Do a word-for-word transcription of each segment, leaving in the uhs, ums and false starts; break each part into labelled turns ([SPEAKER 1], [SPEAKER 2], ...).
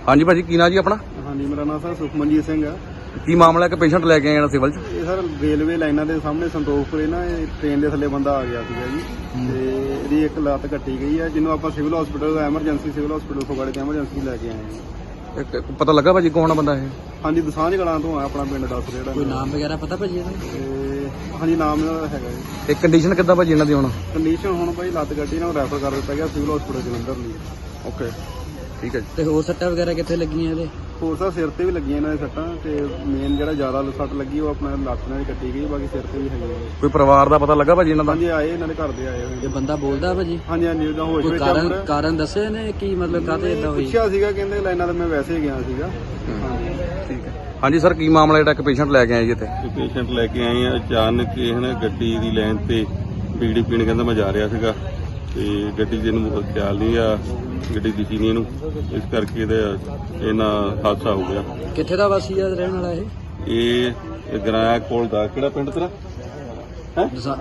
[SPEAKER 1] हाँ जी भाजी की ना जी अपना?
[SPEAKER 2] हाँ जी मेरा नाम सर सुਖमनजीत सिंह है।
[SPEAKER 1] की मामला है कि पेशेंट लैके आए सिविल च?
[SPEAKER 2] ਇਹ ਸਰ ਰੇਲਵੇ ਲਾਈਨਾਂ ਦੇ ਸਾਹਮਣੇ ਸੰਤੋਖਪੁਰੇ ਨਾ ਇਹ ਟ੍ਰੇਨ ਦੇ ਥੱਲੇ ਬੰਦਾ ਆ ਗਿਆ ਸੀਗਾ ਜੀ ਤੇ ਇਹਦੀ ਇੱਕ ਲੱਤ ਕੱਟੀ ਗਈ ਹੈ ਜਿਹਨੂੰ ਆਪਾਂ civil hospital emergency civil hospital ਫਗਵਾੜੇ ਤੇ ਐਮਰਜੈਂਸੀ ਲੈ ਕੇ ਆਏ ਹਾਂ।
[SPEAKER 1] एक- एक पता लगा भाजी कौन बंदा है?
[SPEAKER 2] ਹਾਂਜੀ ਦਸਾਂਝ ਕਲਾਂ ਤੋਂ ਆ ਆਪਣਾ ਪਿੰਡ ਦੱਸ ਜਿਹੜਾ
[SPEAKER 3] ਕੋਈ ਨਾਮ ਵਗੈਰਾ ਪਤਾ ਭਾਜੀ ਇਹਦਾ?
[SPEAKER 2] ਤੇ ਹਾਂਜੀ ਨਾਮ ਇਹਦਾ ਹੈਗਾ ਜੀ।
[SPEAKER 1] एक कंडीशन किदा भाजी इन्हां दी हुण?
[SPEAKER 2] ਕੰਡੀਸ਼ਨ ਹੁਣ ਭਾਈ ਲੱਤ ਕੱਟੀ ਨਾਲ ਰੈਫਰ ਕਰ ਦਿੱਤਾ ਗਿਆ ਸਿਵਲ ਹਸਪੀਟਲ ਜਲੰਧਰ ਲਈ।
[SPEAKER 1] ओके ठीक है जी।
[SPEAKER 3] ਤੇ ਹੋਰ ਸੱਟਾਂ ਵਗੈਰਾ ਕਿੱਥੇ ਲੱਗੀਆਂ ਇਹਦੇ?
[SPEAKER 2] ਹੋਰ ਸਰ ਸਿਰ ਤੇ ਵੀ ਲੱਗੀਆਂ ਇਹਨਾਂ ਦੇ ਸੱਟਾਂ ਤੇ ਮੇਨ ਜਿਹੜਾ ਜ਼ਿਆਦਾ ਸੱਟ ਲੱਗੀ ਉਹ ਆਪਣਾ ਲੱਤ ਨਾਲ ਹੀ ਕੱਟੀ ਗਈ, ਬਾਕੀ ਸਿਰ ਤੇ ਵੀ ਹੈਗੀ ਹੈ।
[SPEAKER 1] कोई परिवार दा पता लगा भाजी इन्हां दा?
[SPEAKER 2] ਹਾਂਜੀ ਆਏ ਇਹਨਾਂ ਦੇ ਘਰ ਦੇ ਆਏ ਹੋਏ
[SPEAKER 3] ਇਹ ਬੰਦਾ ਬੋਲਦਾ ਭਾਜੀ?
[SPEAKER 2] ਹਾਂਜੀ ਹਾਂਜੀ ਉਹਦਾ ਹੋਸ਼
[SPEAKER 3] ਕੋਈ
[SPEAKER 2] ਵਿੱਚ
[SPEAKER 3] ਕਾਰਨ
[SPEAKER 2] ਆ
[SPEAKER 3] ਕਾਰਨ ਦੱਸੇ ਨੇ ਕੀ ਮਤਲਬ ਕਾਹਤੇ ਇਦਾਂ ਹੋਈ?
[SPEAKER 2] ਪੁੱਛਿਆ ਸੀਗਾ ਕਹਿੰਦੇ ਲਾਈਨਾਂ ਤੇ ਮੈਂ ਵੈਸੇ ਹੀ ਗਿਆ ਸੀਗਾ। ਹਾਂਜੀ
[SPEAKER 1] ठीक है हाँ जी सर की मामला जेड़ा एक पेशेंट लैके आए जी इत्थे?
[SPEAKER 4] ਪੇਸ਼ੈਂਟ ਲੈ ਕੇ ਆਏ ਆ। ਅਚਾਨਕ ਇਹ ਨਾ ਗੱਡੀ ਦੀ ਲਾਈਨ ਤੇ ਬੀੜੀ ਪੀਣ ਕਹਿੰਦਾ ਮੈਂ ਜਾ ਰਿਹਾ ਸੀਗਾ ਤੇ ਗੱਡੀ ਦੇ ਨੂੰ ਖਿਆਲ ਨਹੀਂ ਆ, ਗੱਡੀ ਦਿਸੀ ਨਹੀਂ ਇਹਨੂੰ, ਇਸ ਕਰਕੇ ਇਹਦਾ ਇਹਨਾਂ ਹਾਦਸਾ ਹੋ ਗਿਆ।
[SPEAKER 3] ਕਿੱਥੇ ਦਾ ਵਾਸੀ ਆ ਰਹਿਣ ਵਾਲਾ ਇਹ?
[SPEAKER 4] ਇਹ ਗਰਾਇਆ ਕੋਲ ਦਾ ਕਿਹੜਾ ਪਿੰਡ ਤੇਰਾ ਹੈ?
[SPEAKER 3] ਦਸਾ-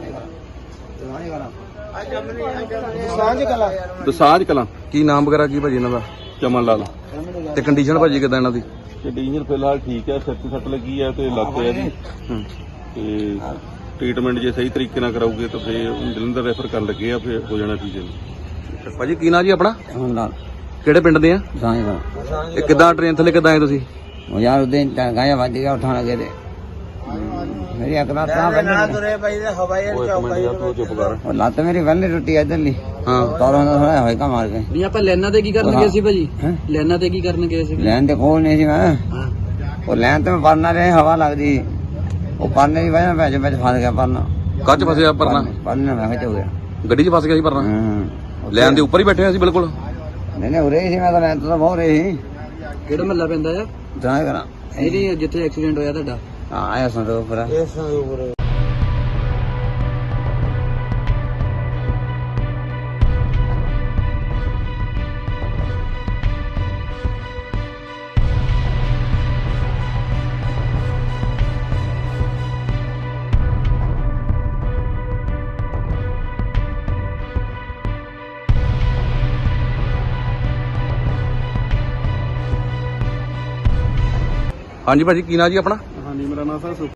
[SPEAKER 4] ਦਸਾਂਝ ਕਲਾਂ।
[SPEAKER 1] की नाम वगैरह की भाजी इन्हां दा?
[SPEAKER 4] ਚਮਨ ਲਾਲ।
[SPEAKER 1] ते कंडीशन भाजी किदा इन्हां दी?
[SPEAKER 4] ਕੰਡੀਸ਼ਨ ਫਿਲਹਾਲ ਠੀਕ ਹੈ, ਸਿਰ ਤੇ ਸੱਟ ਲੱਗੀ ਹੈ ਤੇ ਲੱਤ ਹੈ ਜੀ
[SPEAKER 1] हम्म
[SPEAKER 4] ਤੇ ਟ੍ਰੀਟਮੈਂਟ ਜੇ ਸਹੀ ਤਰੀਕੇ ਨਾਲ ਕਰਾਉਗੇ ਤਾਂ ਫਿਰ ਜਲੰਧਰ ਰੈਫਰ ਕਰਨ ਲੱਗੇ ਆ, ਫਿਰ ਹੋ ਜਾਣਾ ਠੀਕ ਹੈ ਜੀ।
[SPEAKER 1] ਭਾਜੀ ਕੀ ਨਾਂ ਜੀ ਆਪਣਾ?
[SPEAKER 5] ਹੁਣ ਨਾਲ
[SPEAKER 1] ਕਿਹੜੇ ਪਿੰਡ ਦੇ ਆ?
[SPEAKER 5] ਸਾਂਝ ਦਾ
[SPEAKER 1] ਇਹ ਕਿੱਦਾਂ ਟ੍ਰੇਨ ਥੱਲੇ ਕਿੱਦਾਂ ਆਏ ਤੁਸੀਂ?
[SPEAKER 5] ਉਹ ਯਾਰ ਉਹਦੇ ਗਾਇਆ ਵੱਜ ਗਿਆ ਉਠਾਣ ਲੱਗੇ ਤੇ ਮੇਰੀ ਅਕਲਾ ਤਾਂ ਬੰਦ
[SPEAKER 4] ਓਏ ਇੱਕ ਮਿੰਟ ਯਾਰ ਤੂੰ ਚੁੱਪ ਕਰ।
[SPEAKER 5] ਉਹ ਲੱਤ ਮੇਰੀ ਵੱਲੇ ਟੁੱਟੀ ਇਧਰਲੀ
[SPEAKER 1] ਹਾਂ
[SPEAKER 5] ਤਾਰਾਂ ਦਾ ਹੋਇਆ ਹੋਇਆ ਕਾ ਮਾਰ ਕੇ
[SPEAKER 3] ਨਹੀਂ ਆਪਾਂ ਲੈਣਾ ਤੇ ਕੀ ਕਰਨ ਗਏ ਸੀ ਭਾਜੀ?
[SPEAKER 5] ਹੈਂ?
[SPEAKER 3] ਲੈਣਾ ਤੇ ਕੀ ਕਰਨ ਗਏ ਸੀ?
[SPEAKER 5] ਲੈਣ ਦੇ ਕੋਲ ਨਹੀਂ ਸੀ ਮੈਂ,
[SPEAKER 3] ਹਾਂ
[SPEAKER 5] ਉਹ ਲੈਣ ਤੇ ਮੈਂ ਪਰਨਾ ਰਿਹਾ, ਹਵਾ ਲੱਗਦੀ ਉਹ ਪਰਨੇ ਦੀ ਵਜ੍ਹਾ ਨਾਲ ਵਿੱਚ ਵਿੱਚ ਫਸ ਗਿਆ ਪਰਨਾ।
[SPEAKER 1] ਕੱਚ ਫਸਿਆ ਪਰਨਾ?
[SPEAKER 5] ਪਰਨੇ ਮੈਂ ਵਿੱਚ ਹੋ ਗਿਆ।
[SPEAKER 1] ਗੱਡੀ 'ਚ ਫਸ ਗਿਆ ਸੀ ਪਰਨਾ?
[SPEAKER 5] ਹਾਂ
[SPEAKER 1] ਲੈਣ ਦੇ ਉੱਪਰ ਹੀ ਬੈਠੇ ਹੋਏ ਸੀ ਬਿਲਕੁਲ?
[SPEAKER 5] ਨਹੀਂ ਨਹੀਂ ਉਰੇ ਸੀ, ਮੈਂ ਤਾਂ ਲੈਣ ਤੋਂ ਤਾਂ ਬਹੁਤ ਰਹੀ ਸੀ।
[SPEAKER 3] ਕਿਹੜਾ ਮਹੱਲਾ ਪੈਂਦਾ ਆ?
[SPEAKER 5] ਤਾਂ ਕਰਾਂ
[SPEAKER 3] ਇਹਦੀ ਜਿੱਥੇ ਐਕਸੀਡੈਂਟ ਹੋਇਆ ਤੁਹਾਡਾ?
[SPEAKER 5] ਹਾਂ ਆਇਆ ਸੰਦੋਖਪੁਰਾ।
[SPEAKER 1] हाँ जी भाजी की ना जी अपना?
[SPEAKER 2] ਹਾਂਜੀ ਮੇਰਾ ਨਾਮ ਸਰ ਸੁਖ